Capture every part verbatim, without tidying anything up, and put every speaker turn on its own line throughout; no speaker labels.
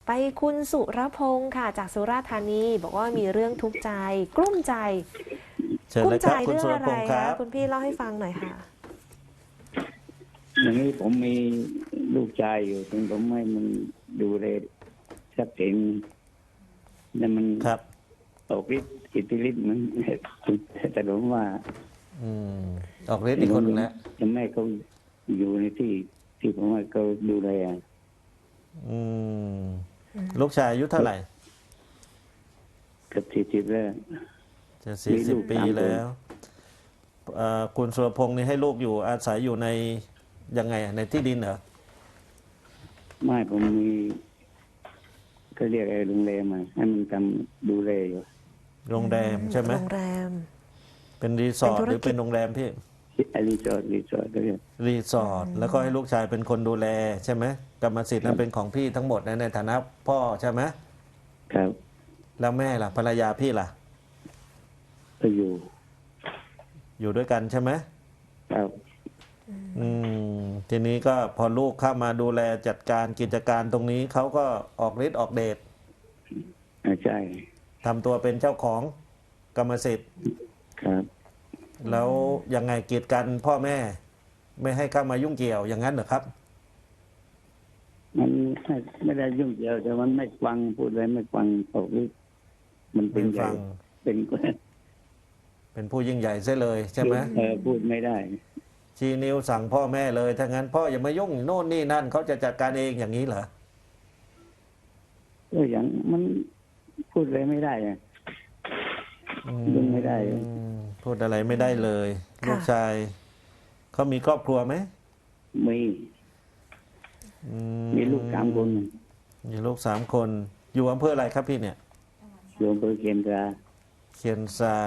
ไปคุณสุรพงศ์ค่ะจากสุราษฎร์ธานีบอกว่ามีเรื่องทุกข์ใจกลุ้มใจ
เชิญ
กลุ้มใจ
เลยครับคุณ
เรื่องอะไร
สุรพงศ์ครั
คะ
บ
คุณพี่เล่าให้ฟังหน่อยค่ะ
อย่างนี้ผมมีลูกชายอยู่ถึงผมไม่มันดูแลทรัพย์สินนั่นมัน
ครับ
ออกฤทธิ์อิทธิฤทธิ์มันแต่ผมว่า
อืมออกฤทธิ์อีกคนหนึงแล้ว
จะไม่ให้เขาอยู่ในที่ที่ผมว่าเขาดูแล
อืมลูกชายอายุเท่าไหร่
เกือบสี่สิบแล้ว
จะสี่
มี
สิ
ลู
บ
ก
ปี
สามคน
แล้วเอ่อคุณสุรพงศ์นี่ให้ลูกอยู่อาศัยอยู่ในยังไงอะในที่ดินเหรอ
ไม่ผมมีก็เรียกไอ้โรงแรมมาให้มันทำดูแลอยู่
โรงแรมใช่ไหม
โรงแรม
เป็นรีสอร์ท
เป็นธุร
หรือ
กิจ
เป็นโรงแรมพี่
ไอ้รีสอร์ทรีสอร์ทก็เรียก
รีสอร์ทแล้วก็ให้ลูกชายเป็นคนดูแลใช่ไหมกรรมสิทธิ์นั้นเป็นของพี่ทั้งหมดนะในฐานะพ่อใช่ไหม
ครับ
แล้วแม่ล่ะภรรยาพี่ล่ะ
ก็อยู่
อยู่ด้วยกันใช่ไหม
ครับ
อืมทีนี้ก็พอลูกเข้ามาดูแลจัดการกิจการตรงนี้เขาก็ออกฤทธิ์ออกเดช
อ่าใช่
ทำตัวเป็นเจ้าของกรรมสิทธิ์
ครับ
แล้วยังไงกีดกันพ่อแม่ ไม่ให้เข้ามายุ่งเกี่ยวอย่างนั้นเหรอครับ
มันไม่ไม่ได้ยุ่งเกี่ยวแต่มันไม่ฟังพูดอะไรไม่ฟังออกฤทธิ์มันเป็น
ไม่
ใหญ่
ฟัง
เป็น
เป็นผู้ยิ่งใหญ่เสียเลยใช่ไหม
เออพูดไม่ได้
ชี้นิ้วสั่งพ่อแม่เลยถ้างั้นพ่ออย่ามายุ่งโน่นนี่นั่นเขาจะจัดการเองอย่างนี้เหรอ
ก็อย่างมันพูดอะไรไม่ได้อะ ยุ่งไม่ได้
อืมพูดอะไรไม่ได้เลย
ค่ะ
ลูกชายเขามีครอบครัวไหม
มี
อื
มีลูกสามคน
มีลูกสามคน อยู่อำเภออะไรครับพี่เนี่ย
อยู่อำเภอเคียนตรา
เคียนซา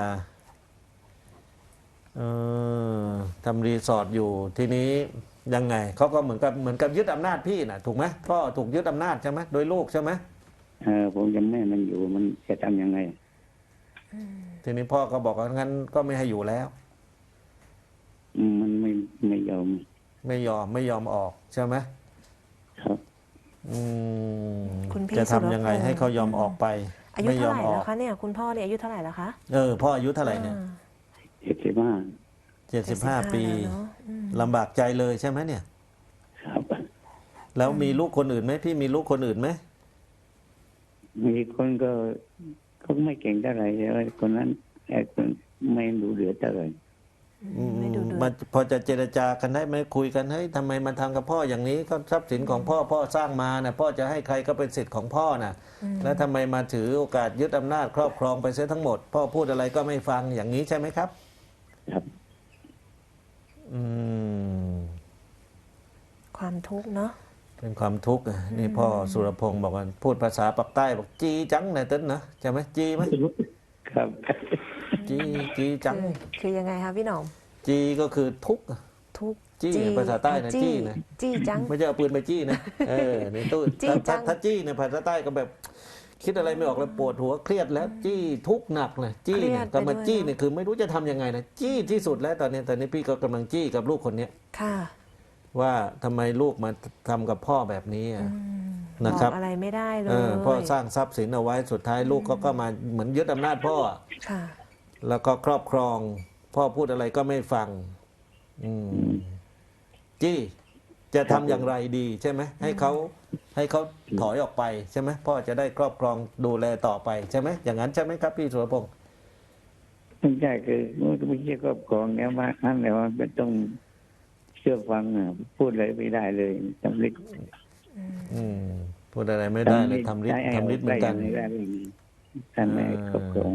เออทำรีสอร์ทอยู่ทีนี้ยังไงเขาก็เหมือนกับเหมือนกับยึดอำนาจพี่น่ะถูกไหมพ่อถูกยึดอำนาจใช่ไหมโดยลูกใช่ไหม
เออผมยังไม่ให้มันอยู่มันจะทำยังไง
ทีนี้พ่อก็บอกว่างั้นก็ไม่ให้อยู่แล้ว
อืมมันไม่ไม่ยอม
ไม่ยอมไม่ยอมออกใช่ไหม
ครับ
อืม
คุณพี่
จะ
สุรพง
ทำ
ษ์
ยังไงให้เขายอมออกไป
อายุ
ไม่ย
เท่า
อ
ไห
ม
ร่
ออ
แล้
ก
วคะเนี่ยคุณพ่อเนี่ยอายุเท่าไหร่แล้วคะ
เออพ่ออายุเท่าไหร่เนี่ย
อ่า
เจ็ดสิบห้า
เจ็ดสิบห้าปี
แล้วเนอะอืม
ลำบากใจเลยใช่ไหมเนี่ย
ครับ
แล้วมีลูกคนอื่นไหมพี่มีลูกคนอื่นไหม
มีคนก็เขาไม่เก่งเท่าไหร่เลยคนนั้นไอ้คนไม่ดูเหลือเท่าไหร่
อืม
ไม่ดูเดือ
มัน
ด
พอจะเจรจากันได้ไหมคุยกันเฮ้ยทำไมมันทำกับพ่ออย่างนี้ก็ทรัพย์สินของพ่อพ่อสร้างมานะพ่อจะให้ใครก็เป็นสิทธิ์ของพ่อนะแล้วทำไมมาถือโอกาสยึดอำนาจครอบครองไปเสียทั้งหมด พ่อพูดอะไรก็ไม่ฟังอย่างนี้ใช่ไหมครับ
ครับ
อืม
ความทุกข์เนาะ
เป็นความทุกข์อะนี่พ่อสุรพงศ์บอกว่าพูดภาษาปากใต้บอกจีจังนะเต้นนะใช่ไหมจีไหม
ครับ
จีจีจัง
คือคือยังไงคะพี่หน่อม
จีก็คือทุกข์
ทุกข์
จี้ภาษาใต้นะจี้นะ
จี้จัง
ไม่ใช่เอาปืนไปจี้นะเออในตู้
จี้
ถ้า
จั
ถ้าง ถ้าจี้ในภาษาใต้ก็แบบ คิดอะไรไม่ออกแล้วปวดหัวเครียดแล้ว จี้ทุกข์หนักเลยจี้เนี่ยก็มาจี้เนี่ยคือไม่รู้จะทำยังไงนะจี้ที่สุดแล้วตอนนี้ตอนนี้พี่ก็กำลังจี้กับลูกคนเนี้ย
ค่ะ
ว่าทำไมลูกมาทำกับพ่อแบบนี้อะ
อืม
นะครับ
อกอะไรไม่ได้เล
เอย อพ่อสร้างทรัพย์สินเอาไว้สุดท้ายลูกก็ก็มาเหมือนยึดอำนาจพ่ออะ
ค่ะ
แล้วก็ครอบครอง พ่อพูดอะไรก็ไม่ฟัง อืมจี้จะทำอย่างไรดีใช่ไหมให้เขาให้เขาถอยออกไปใช่ไหมพ่อจะได้ครอบครองดูแลต่อไปใช่ไหมอย่างนั้นใช่ไหมครับพี่สุรพงศ์
ไม่ใช่คือไม่ใช่ครอบครองแล้วว่านั่นแหละว่าไม่ต้องเชื่อฟังอ่ะพูดอะไรไม่ได้เลยทำฤทธิ์
อืมพูดอะไรไม่ได้เลยทำฤทธิ์ทำฤทธิ์เหมือนกัน
ไม่ได้เลยท่านไม่ครอบครอง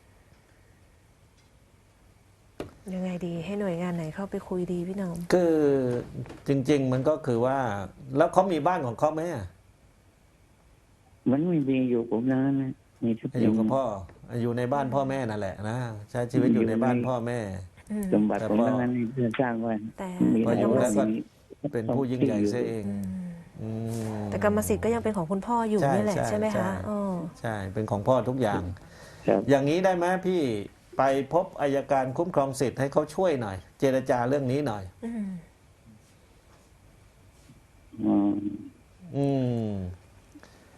ยังไงดีให้หน่วยงานไหนเข้าไปคุยดีพี่หน่อม
คือจริง ๆ มันก็คือว่า แล้วเขามีบ้านของเขาไหมอะ
มันไม่มีอยู่ผมนะนะมีทุก
อยู่กับพ่ออยู่ในบ้านพ่อแม่นั่นแหละนะใช้ชีวิตอยู่ในบ้านพ่อแม่
อืม
สมบัติผมทั้งนั้นเพื่อนสร้างไว้
แต่
มี
พออยู่
แต่
แล้วก็
มี
เป็นผู้ยิ่งใหญ่เสียเอง
อืม
อืม
แต่กรรมสิทธิ์ก็ยังเป็นของคุณพ่ออยู่
ใช่
นี่แหละ
ใช่
ใช่ไหม
ใช่
คะอ๋อ
ใช่เป็นของพ่อทุกอย่าง
ครับ
อย่างนี้ได้ไหมพี่ไปพบอัยการคุ้มครองสิทธิ์ให้เขาช่วยหน่อย เจรจาเรื่องนี้หน่อย
อืม
อ๋อ
อืม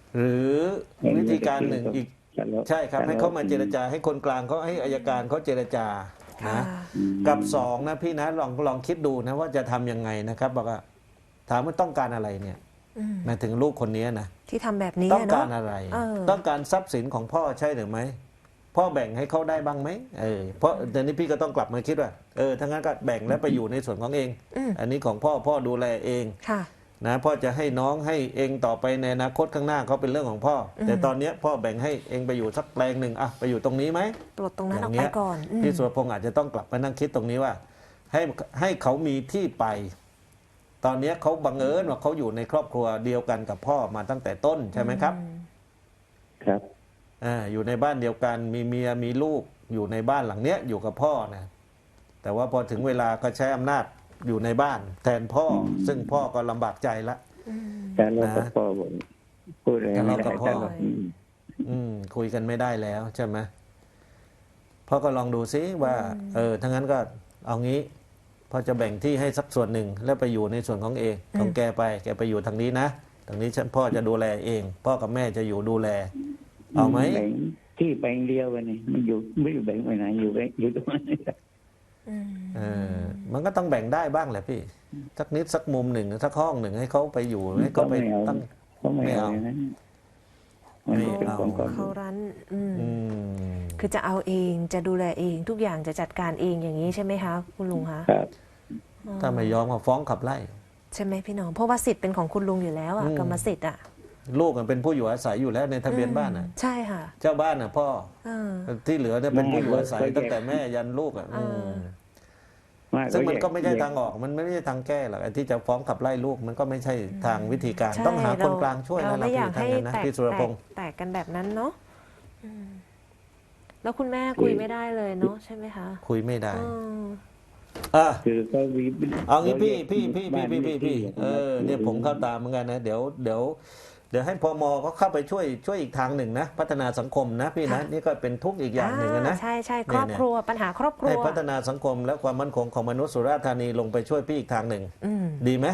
หรือวิธีการหนึ่งอีก
ทะเลาะ
ใช่ครับ ให้เขามาเจรจาให้คนกลางเขาให้อัยการเขาเจรจา
ค่ะ
นะ
อืม
กับสองนะพี่นะลองลองคิดดูนะว่าจะทำยังไงนะครับบอกว่าถามว่าต้องการอะไรเนี่ย
อืม
หมายถึงลูกคนนี้นะ
ที่ทำแบบนี้
ต้อง
อะ
การ
เนาะ
อะไร
เออ
ต้องการทรัพย์สินของพ่อใช่หรือไม่พ่อแบ่งให้เขาได้บ้างไหมเออเพราะเดี๋ยวนี้พี่ก็ต้องกลับมาคิดว่าเออถ้างั้นก็แบ่งแล้วไปอยู่ในส่วนของเอง
อืม
อันนี้ของพ่อพ่อดูแลเอง
ค่ะ
นะพ่อจะให้น้องให้เองต่อไปในอนาคตข้างหน้าเขาเป็นเรื่องของพ่ออ
ม
แต่ตอนเนี้ยพ่อแบ่งให้เองไปอยู่สักแปลงหนึ่งอะไปอยู่ตรงนี้ไหม
ปลดตรงนั้นออก
อย่าง
ไป
เงี้ย
ก่อนอืม
พี่สุรพงษ์อาจจะต้องกลับมานั่งคิดตรงนี้ว่า ให้ให้เขามีที่ไป ตอนเนี้ยเขาบังเอิญว่าเขาอยู่ในครอบครัวเดียวกันกับพ่อมาตั้งแต่ต้นใช่ไหมครับ
อืม
ครับ
อ่าอยู่ในบ้านเดียวกันมีเมียมีลูกอยู่ในบ้านหลังเนี้ยอยู่กับพ่อนะแต่ว่าพอถึงเวลาก็ใช้อำนาจอยู่ในบ้าน แทนพ่อ ซึ่งพ่อก็ลำบากใจละ
อืม
แต่เรากับ
นะ
พ่อบอกพูดอะไรไม่
ทะเลาะกั
ได้
บพ่อ
แต่เราอืม
อืมคุยกันไม่ได้แล้วใช่ไหมพ่อก็ลองดูซิว่า เออทั้างนั้นก็เอางี้พ่อจะแบ่งที่ให้สักส่วนหนึ่งแล้วไปอยู่ในส่วนของเองของแกไป แกไปอยู่ทางนี้นะทางนี้ฉันพ่อจะดูแลเอง พ่อกับแม่จะอยู่ดูแล เอาไหม
แบ่งที่แบ่งเดียวกันนี่มันอยู่ไม่อยู่แบ่งไปไหนอยู่แบ่งอยู่ตรงนั้น
อืม
เออมันก็ต้องแบ่งได้บ้างแหละพี่สักนิดสักมุมหนึ่งสักห้องหนึ่งให้เขาไปอยู่ให้เขาไปตั้ง
เขาไม่เอา
ไม่เอา
อย่างนั้นมันเป็นของก่อน
เขารั้นอืม
อืม
คือจะเอาเองจะดูแลเองทุกอย่างจะจัดการเองอย่างนี้ใช่ไหมคะคุณลุงคะ
ครับ
อ๋อ
ถ้าไม่ยอมก็ฟ้องขับไล่
ใช่ไหมพี่น้องเพราะว่าสิทธิ์เป็นของคุณลุงอยู่แล้วอะ
อืม
กรรมสิทธิ์อะ
ลูกมันเป็นผู้อยู่อาศัยอยู่แล้วในทะเบียนบ้านอ่ะ
ใช่ค่ะ
เจ้าบ้านอ่ะพ่อ
เออ
ที่เหลือเนี่ยเป็นผู้อยู่อาศัยตั้งแต่แม่ยันลูกอ่ะ
เอออื
ม
ไม่
ซึ่งมันก็ไม่ใช่
แย
ทางออกมันไม่ใช่ทางแก้หรอกไอ้ที่จะฟ้องขับไล่ลูกมันก็ไม่ใช่ทางวิธีการ
ใช่
ต้องหาคนกลางช่วย
เรา
นะ
ไม่อยาก
พี่
ให้
ทางนั้นนะ
แตก
พี่สุรพงษ์
แตกแตกกันแบบนั้นเนาะอืมแล้วคุณแม่คุยไม่ได้เลยเนาะใช่ไหมคะ
คุยไม่ได้
เออ
อ่ะ
คือเขาวี
เอางี้พี่พี่พี่พี่พี่พี่พี่
บ้าน
เออเนี่ยผมเข้าตามเหมือนกันนะเดี๋ยวเดี๋ยวเดี๋ยวให้พมเขาเข้าไปช่วยช่วยอีกทางหนึ่งนะ พัฒนาสังคมนะพี่นะนี่ก็เป็นทุกข์อีกอย่างหนึ่งนะ
ใช่ใช่
เนี่ย
ครอบครัวปัญหาครอบครั
ให้
ว
พัฒนาสังคมและความมั่นคงของมนุษย์สุราษฎร์ธานีลงไปช่วยพี่อีกทางหนึ่ง
อืม
ดีไหม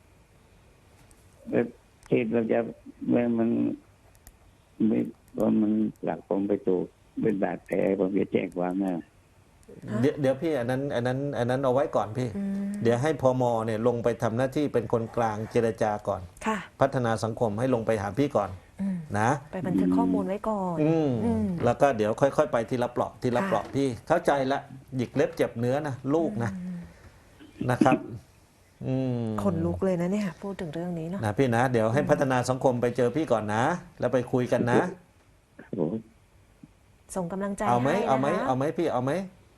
ที่เราจะเมื่อมันไม่ว่ามันหลักผมไปถูกเป็นบาดแผลผมจะแจ้งความนะ
เดี๋ยวเดี๋ยวพี่อันนั้นอันนั้นอันนั้นเอาไว้ก่อนพี่
อืม
เดี๋ยวให้พมเนี่ยลงไปทำหน้าที่เป็นคนกลางเจรจาก่อน
ค่ะ
พัฒนาสังคมให้ลงไปหาพี่ก่อน
อืม
นะ
ไปบันทึกข้อมูลไว้ก่อน
อืม
อืม
แล้วก็เดี๋ยวค่อยๆ ไปทีละเปราะทีละ
ค่ะ
เปราะพี่เข้าใจละหยิกเล็บเจ็บเนื้อนะลูกนะนะครับ อืม
ขนลุกเลยนะเนี่ยพูดถึงเรื่องนี้เนาะ
นะพี่นะ เดี๋ยวให้พัฒนาสังคมไปเจอพี่ก่อนนะ แล้วไปคุยกันนะ
โอ้
ส่งกำลังใจ
เอาไหม
ให้นะคะ
เอาไหมเอาไหมพี่เอาไหม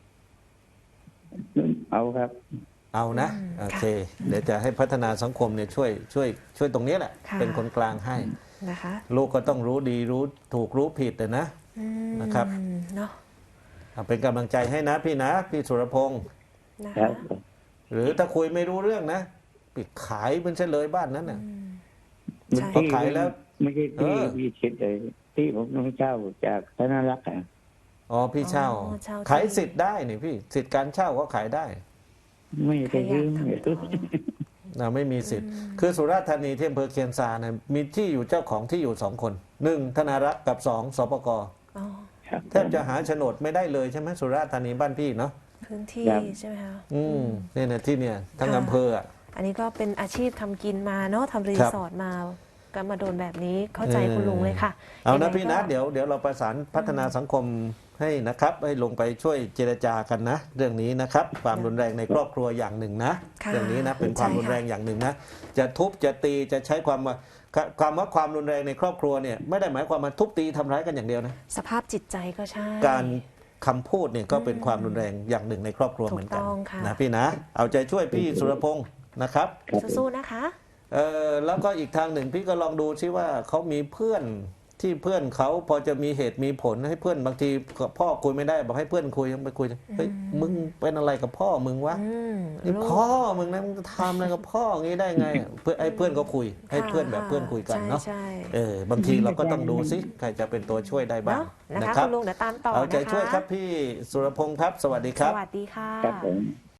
เอาครับ
เอานะ
อืม
โอเค เดี๋ยวจะให้พัฒนาสังคมเนี่ยช่วยช่วยช่วยตรงนี้แหละ
ค่ะ
เป็นคนกลางให้
นะคะ
ลูกก็ต้องรู้ดีรู้ถูกรู้ผิดแต่นะ
อืม
นะครับ
เนาะ
เอาเป็นกำลังใจให้นะพี่นะ พี่สุรพงศ์
นะ
ครั
คะ
บ
หรือถ้าคุยไม่รู้เรื่องนะปิดขายมันเฉลยบ้านนั้นน่ะ
อืม
มัน
ใช่
พอขายแล้ว
ไม่ใช่ที่
เออ
พี่คิดเลยที่ผมต้องเช่าจากธนารักษ์อ่ะ
อ๋อพี่เช่า
อ๋อเช่าที่
ขายสิทธิ์ได้นี่พี่สิทธิ์การเช่าก็ขายได้
ไม่ไปซื้อ
ใครอยากทำ
ไม่ซื้อ
นะไม่มีสิทธิ์ คือสุราษฎร์ธานีที่อำเภอเคียนซานะมีที่อยู่เจ้าของที่อยู่สองคนหนึ่งธนารักษ์กับสองสปก
อ๋อ
ครับ
แทบจะหาโฉนดไม่ได้เลยใช่ไหมสุราษฎร์ธานีบ้านพี่เนาะ
พื้นที่ใช่ไหมคะ
อืมเนี่ยนะที่เนี่ยทั้ง
ค่ะ
อำเภออ่ะ
อันนี้ก็เป็นอาชีพทำกินมาเนาะทำรี
ครับ
สอร์ทมาก็มาโดนแบบนี้เข้าใจ
เออ
คุณลุงเลยค่ะ
เอา
ยังไง
นะพี่นะ
ก็
เดี๋ยวเดี๋ยวเราประสานพัฒนาสังคมให้นะครับ ให้ลงไปช่วยเจรจากันนะ เรื่องนี้นะครับ ความรุนแรงในครอบครัวอย่างหนึ่งนะ
ค่ะ
เรื่องนี้นะเป็นความ
ใช่ค่ะ
รุนแรงอย่างหนึ่งนะจะทุบจะตีจะใช้ความว่าความว่าความรุนแรงในครอบครัวเนี่ยไม่ได้หมายความว่าทุบตีทำร้ายกันอย่างเดียวนะ
สภาพจิตใจก็ใช่
การคำพูดเนี่ยก็เป็นความรุนแรงอย่างหนึ่งในครอบครัวเหมือนกัน
ถูกต้องค่ะ
นะพี่นะ เอาใจช่วยพี่สุรพงศ์นะครับ
ครับผม
สู้ๆนะคะ
เออแล้วก็อีกทางหนึ่งพี่ก็ลองดูซิว่าเขามีเพื่อนที่เพื่อนเขาพอจะมีเหตุมีผลให้เพื่อนบางทีกับพ่อคุยไม่ได้บอกให้เพื่อนคุยไปคุยเฮ้ยมึงเป็นอะไรกับพ่อมึงวะ
อืม
นี่
ลูก
พ่อมึงนะมึงจะทำอะไรกับพ่ออย่างนี้ได้ไงเพื่อนไอ้เพื่อนก็คุย ให้เพื่อนแบบเพื่อนคุยกันเนาะ
ใช่
เออบางทีเราก็ต้องดูซิใครจะเป็นตัวช่วยได้
ๆ
บ้าง
เนาะนะ
นะคะ ครับ
คุณลุงเดี๋ยวตามต่อ
เอาใจ
นะคะ
ช่วยครับพี่สุรพงศ์ครับ สวัสดีค
ส
รับ
วัสดีค่ะ
ครับผม